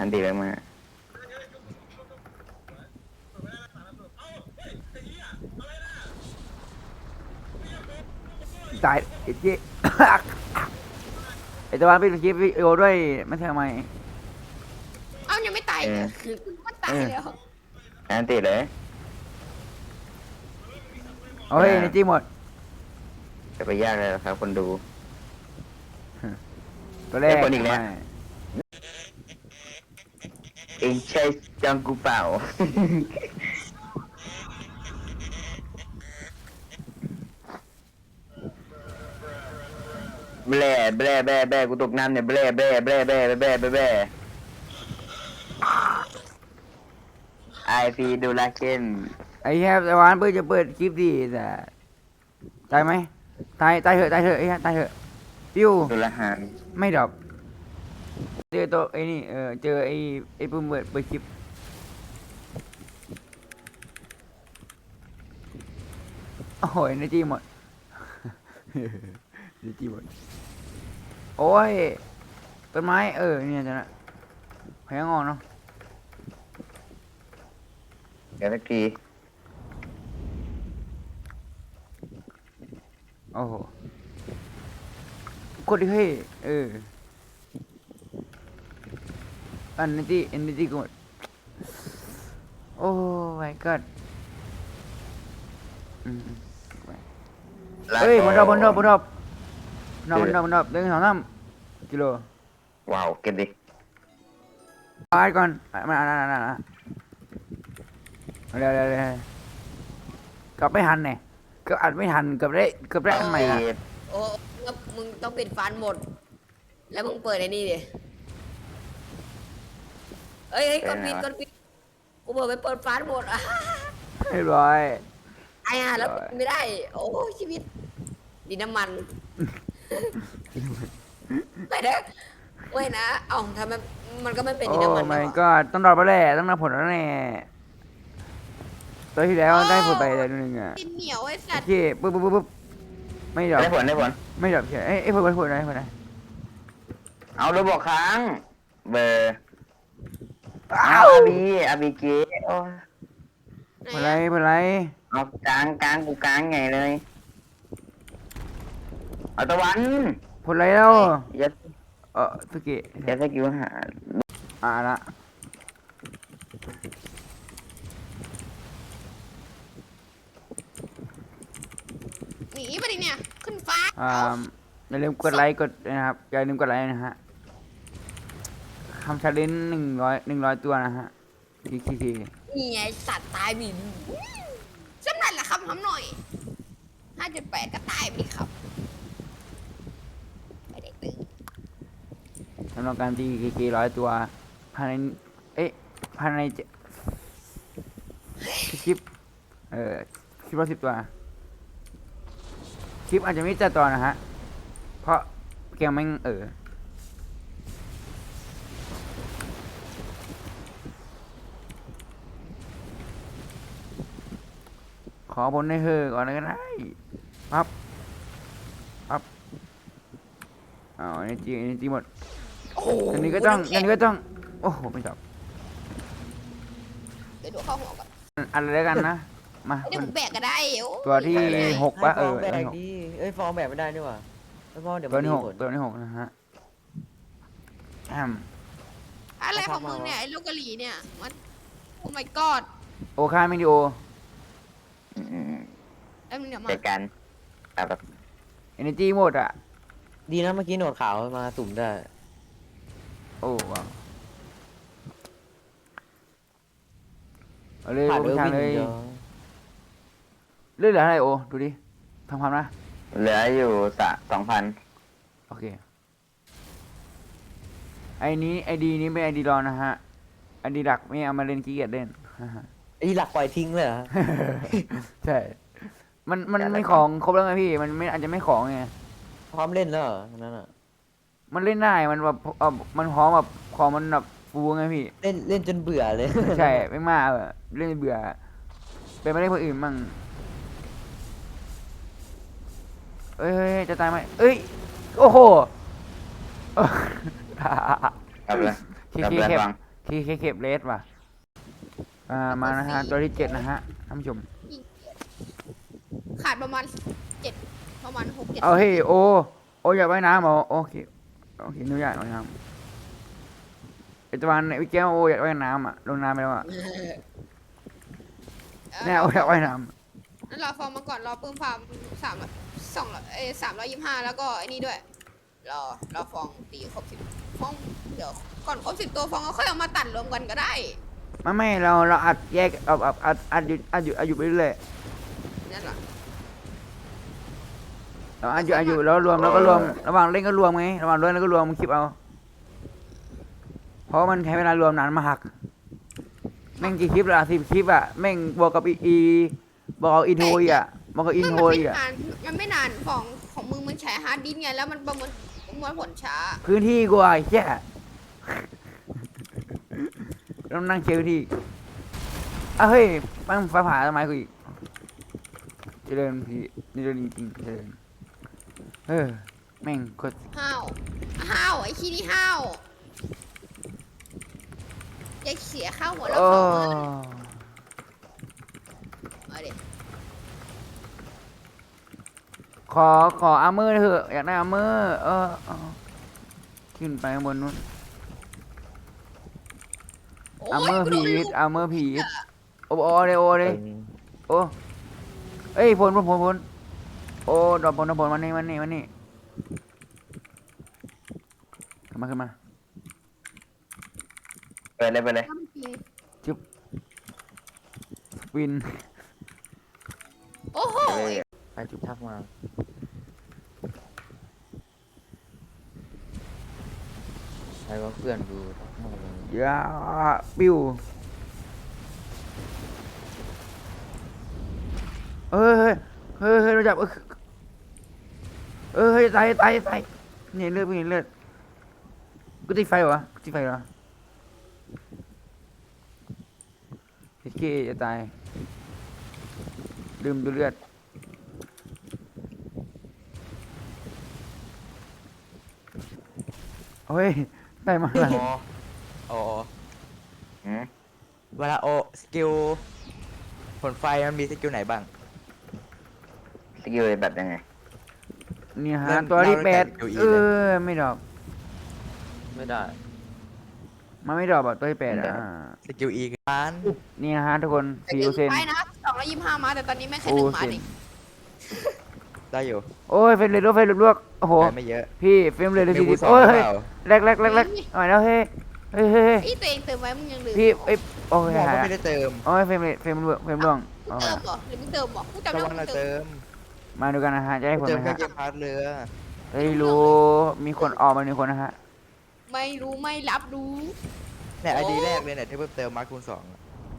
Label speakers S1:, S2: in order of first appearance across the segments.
S1: อันตีไปมา
S2: ตายไอ้เจ๊ไอ้ตะวันไปคลิปวิดีโอด้วยไม่ใช่ทำไม
S3: เอ้ายังไม่ตายเลยคือมันตายแล้ว
S1: อันตีเลย
S2: เอาเฮ้ยในจีหมด
S1: จะไปยากเลยหรอครับคนดู
S2: ตัวแรก
S1: คนอีกแล้ว เองใช่จังกูเปล่า แบล่แบล่แบล่แบล่กูตกน้ำเนี่ยแบล่แบล่แบล่แบล่แบล่แบล่แบล่ไอพีดูลาเคน
S2: ไอ้แฮปตะวันเพื่อจะเปิดคลิปดีแต่ตายไหมตายเถอะไอ้ฮะตายเถอะปิ้ว
S1: ดูลาหาน
S2: ไม่ดรอปเจอตัวไอ้นี่เจอไอ้ปุ่มเปิดคลิปโอ้โหในจีหมด ในจีหมดโอ้ยต้นไม้เนี่ยจังนะแพงงอนเนาะ
S1: เดี๋ยวสักที
S2: โอ้โหกดดิเฮ้ยอันนี้กดโอ้ my god เฮ้ยบนรอบบเดินสองน้ำกิโล
S1: ว้าวเก็บดิ
S2: ไปก่อนมาเร็วกลับไม่ทันเนี่ยก็อัดไม่ทันเกือบได้อันใหม่ละ
S3: โอ้แล้วมึงต้องปิดฟันหมด แล้วมึงเปิดไอ้นี่ดิเอ้ยกดปิดกูเปิดไปเปิดฟันหมดอ่ะ
S2: เรียบร้อย
S3: ไอ้ห่าแล้วไม่ได้ โอ้ชีวิตดินน้ำมันไปเด้อเว้ยนะเอ้าทำไมมันก็ไม่เป็น
S2: โอ้
S3: ดินน้ำมัน
S2: my god ต้องรอไปแหละต้องรอผลแล้วแน่ตัวที่แล้วได้ผลไปเลยนึงอ่ะ
S3: ดินเหนียวไอ้สัต
S2: โอ
S3: ว์
S2: เคปุ๊บไม่ดรอป
S1: ได้ผล
S2: ไม่ดรอปเฉยเอ้ยผลได้
S1: เอาโดนบอกค้างเบอร์
S2: อ้า
S1: เอา
S2: ว
S1: อาบีเกโอ้
S2: ผลไร
S1: เอากลางกูกลางไงเลยเอาตะวัน
S2: ผลไรแล้ว
S1: ยัด
S2: สกิ
S1: ยัดสกิลหา
S2: ละ
S3: หนีไปดิเนี่ยขึ้นฟ้า
S2: อย่าลืมกดไลค์กดนะครับอย่าลืมกดไลค์นะฮะทำชาเลนจ์100ตัวนะฮะที
S3: นี่ไงสัตว์ตายบินจำนั่นแหละครับทำหน่อย5.8ก็ตายไปดิครับไม่ได้ตึง
S2: สำหรับการตี100ตัวภายในภายในคลิปคลิปละ10ตัวคลิปอาจจะไม่จัดตอนนะฮะเพราะเกมไม่ขอบนให้เธอก่อนก็ได้ปั๊บอันนี้จีหมดอันนี้ก็ต้องโอ้โหไม่จบ
S3: เดี๋ยวดูเข้าหัวก่อน
S2: อะไรแล้วกันนะมา
S3: เดี๋ยวผมแบกก็ได้โอ้
S2: ตัวที่6ปะ
S4: ให้ฟองแบกดีฟองแบกไม่ได้นี่หว่าไอ้ฟองเดี๋ยว
S2: ตั
S4: มั
S2: วน ที่
S4: มี
S2: 6
S4: ผล
S2: ตัวที่6นะฮะ
S3: อะไรของมึงเนี่ยไอ้ลูกกะหรี่เนี่ยมันโอ้ my god
S2: โอคาเมดิโอ
S3: ไอ้มึงเนี่ยมา
S1: จัดการแบบ
S2: เอเนจีหมดอ่ะ
S4: ดีนะเมื่อกี้หนวดขาวมาสุ่มได้
S2: โอ้ว้าวเอาเลย
S4: ผ่าน
S2: โอ้
S4: เออ
S2: ทาง
S4: วิ่ง
S2: เลย
S4: เดียว
S2: เลือดเหลืออะไรโอดูดิทำความนะ
S1: เหลืออยู่2,000
S2: โอเคไอดีนี้เป็นไอดีรองนะฮะไอดีหลักไม่เอามาเล่นขี้เกียจเล่น
S4: ไอ้หลักปล่อยทิ้งเลยเหรอ
S2: ใช่มันไม่ของครบแล้วไงพี่มันไม่อาจจะไม่ของไง
S4: พร้อมเล่นแล้วเหรอนั่นอ่ะ
S2: มันเล่นได้มันแบบมันพร้อมแบบของมันแบบฟูไงพี่
S4: เล่นจนเบื่อเลย
S2: ใช่ไม่มากเล่นเบื่อเป็นไม่ได้คนอื่นมั่งเอ้ยจะตายไหมเอ้ยโอ้โห
S1: กลับเลย
S2: เค
S1: กลับ
S2: เค
S1: เลย
S2: แคบ
S1: ฟัง
S2: เคเก็บเลสว่ะมานะฮะตัวที่7นะฮะท่านผู้ชม
S3: ขาดประมาณประมาณ6-7
S2: เอาเฮ้ยโออยากว่ายน้ำเหรอโอเคหนูอยากว่ายน้ำไอตะวันไอแก้วโออยากว่ายน้ำอ่ะลงน้ำไปแล้วอ่ะแน่โออยากว่ายน้
S3: นั่นรอฟอร์มมาก่อนรอเพิ่มฟาร์ม325แล้วก็ไอ้นี่ด้วยรอฟองตีครบ10ฟองเดี๋ยวก่อนครบ10ตัวฟองก็ค่อยเอามาตัดรวมกันก็ได้
S2: ำไม่เราอัดแยกอัดอยู่ไปเรื่อย
S3: นั่นแหละ
S2: เราอัดอยู่แล้วรวมแล้วก็รวมระหว่างเล่นก็รวมไงระหว่างเล่นแล้วก็รวมคลิปเอาเพราะมันใช้เวลารวมนานมากแม่งกี่คลิปละ10 คลิปอ่ะแม่งบวกกับบอกเอาอินโทรอีกอ่ะบอกกับอินโทรอีกอ่ะ
S3: มันไม่นานของมึงมันใช้ฮาร์ดดิสก์ไงแล้วมันประมวลผลช้า
S2: พื้นที่กว่าไอ้แค่ต้องนั่งเชียร์พื้นที่เฮ้ยปั้งฟ้าผ่าทำไมกูอีกเจริญพี่นี่เรื่องจริงๆเจริญแม่งกด
S3: ห้าวไอ้ขี้นี่ห้าวอย่าเสียข้าวหัวแล้ว
S2: โอ้
S3: เอาดิ
S2: ขออาร์เมอร์เถอะอยากได้อาร์เมอร์ขึ้นไปข้างบนนู้น อาร์เมอร์ผีดโอเลยโอ้เอ้ยพลโอ้ดอกพลมันนี่ขึ้นมา
S1: ไปเลย
S2: จุ๊บวิน
S3: โอ้โห
S4: ไปจุดทักมาใครว่าเพื่อนดูทักมาเลย
S2: ยาปิ้วเฮ้ยเราจับเฮ้ยตายเนี่ยเลือดกูติดไฟเหรอโอเคจะตายดื่มดูเลือดเฮ้ยได้มาแล้ว
S4: โอ้
S1: หืม
S4: เวลาสกิลผลไฟมันมีสกิลไหนบ้าง
S1: สกิลแบบยังไง
S2: เนี่ยฮะ
S4: เริ่ม
S2: ตัวที่
S4: เล่าตั้งแต่
S2: 8
S4: QE
S2: ไม่ดรอป
S4: ไม่ได้
S2: มันไม่ดรอปอ่ะตัวที่8อ่ะ
S4: สกิลอีกัน
S2: นี่นะฮะทุกคน
S3: แต่
S2: 4%
S3: ไปนะครับ225มาแต่ตอนนี้ไม่แค่
S2: โอ้
S3: 1 มา
S2: เซ็น
S3: เอง
S4: ได้อยู่
S2: โอ้ยเฟรมเรทลวกโอ้โห
S4: ได้ไม่เยอะ
S2: พี่เฟรมเรทเลย
S4: มี
S2: 40
S4: บูสอง
S2: โอ้ย
S4: หรือเปล่า
S2: แรกหน่อยแล้วเฮ้ย
S3: ไอ้ตัวเองเติมไว้มึงยังลืม
S2: พี่โอ้ย
S4: บอกว่าไม่ได้เติม
S2: โอ้ยเฟรมร่วง
S3: เติมเหรอหรือมึงเติมเหรอกูจำ
S4: ตะ
S3: ได้
S4: วัน
S3: ว่ามึ
S4: น่ะ
S3: งเติ
S4: เติ
S3: ม
S4: ม
S2: มาดูกันนะฮะจะได้ผล
S4: เติ
S2: ไห
S4: ม
S2: ม
S4: แค่
S2: ฮะ
S4: เกมพาร์ทเรือ
S2: ไม่รู้มีคนออกมา1 คนนะฮะ
S3: ไม่รู้ไม่รับรู้
S4: เนี่ยไอดีแรกเลยเนี่ยที่เพิ่มเติมมาร์คคูณ2อะ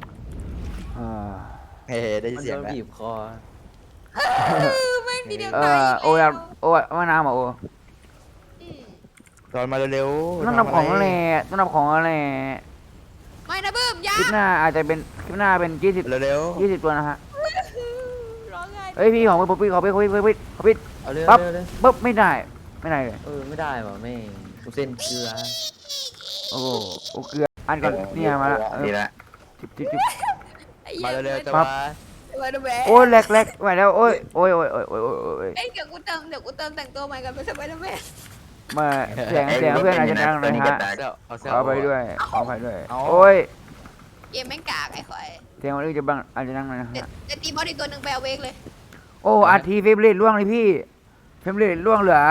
S4: เฮ้ได้ยินเสียงแล้ว
S1: บีบคอ
S3: แม่งทีเดียว
S2: เอ
S3: ตาย
S2: อโอ้ยว่าน้ำเหรอโอ้
S3: อืม
S4: ตอนมาเร็วๆ
S2: ต้องนับของ
S4: ทำะ
S2: แห
S4: ไร
S2: ละต้องนับของแหละ
S3: ไม่นะเบิ้มยา
S2: คลิปหน้าอาจจะเป็นคลิปหน้าเป็น20
S4: เร็ว
S2: ตัวนะฮะ
S3: ร้องไห้
S2: เฮ้ยพี่ของพี่ขอปิด
S1: เอาเรื่อง
S2: ปั๊บ
S1: เลย
S2: ปุ๊บไม่ได้เลย
S1: ไม่ได้ว่ะแม่งกูเส้นเกลือ
S2: โอ้โหเกลืออันก่อนเนี่ยมาละ
S1: ดีละ
S2: จิบ
S3: ไอ้
S4: ๆ
S3: หี้
S4: มาย เร็วๆแต่
S2: ปั๊บ
S4: ว่า
S3: มาดูแม่
S2: โอ้ยแหลกไหวแล้วโอ้ย
S3: เอ้ยเดี๋ยวกูเติมแต่งตัวใหม่กันไปสบายนะแม่
S2: มาเสียงเพื่อนอาจจะดังนะฮะ
S4: เอาเสื้อ
S2: เอาไปด้วยขอไปด้วย
S4: เอา
S2: โอ้ย
S3: เกมแม่งกากไอ้ควาย
S2: เสียงคนอื่นจะบังอาจจะดังหน่อยนะ
S3: เดี๋ยว
S2: ฮะ
S3: จะตีบอสอีกตัวหนึ่งไปเอาเวกเลย
S2: โอ้อาทีเฟรมเรทล่วงเลยพี่เฟรมเรทล่วงเหลือ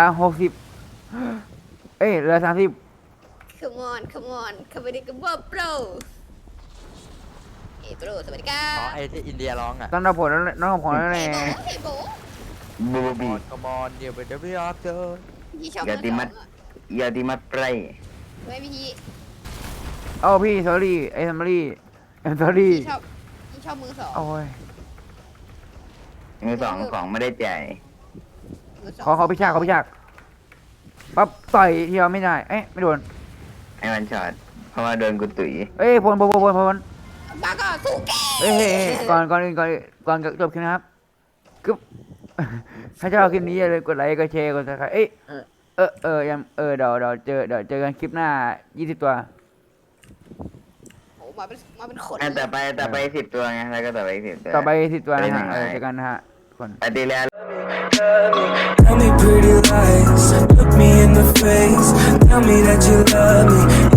S2: 60เหลือ30
S3: Come on come on คาร์บอนิกบอโปรโปรสวัสดีครั
S4: อ๋อบ ไอ้ที่อินเดียร้องอ่ะ
S2: ต้องนับผลแล้วน้องของแล้วแหละ
S3: เฮ้ยโบ
S1: บูบี
S4: กมอนเดี๋ยวไปเดี๋ยวไปออฟเจอ
S3: พี่ชอบ
S1: อย่าตีมัด อย่าดีมาไพร
S3: ไม่พี่
S2: โอ้พี่ sorry sorry sorry
S3: พี่ชอบมือสอง
S2: โอ้ย
S1: มือสองของไม่ได้จ่าย
S3: มือสอง
S2: ขอพิชากปั๊บต่อยทีเดียวไม่ได้ไม่โดน
S1: ให้มันช็อตเพราะว่าโดนกูตุ๋ย
S2: พล
S3: บ้าก็สู้แก
S2: ก่อนอื่นก่อนจบคลิปนะครับกึ๊บ ถ้าชอบคลิปนี้อย่าลืมกดไลค์กดแชร์กดซับสไครต์เดี๋ยวเจอกันคลิปหน้า20 ตัว
S3: มาเป็นขน
S1: แต่ไป10 ตัวไงแล้วก็ต่อไป10 ตัว
S2: ต่อไป10 ตัวนะฮะ
S1: ไปหนึ่ง
S2: เจอกันนะฮะทุกคน
S1: อาทิตย์แล้ว
S5: Tell me pretty lies, look me in the face. Tell me that you love me,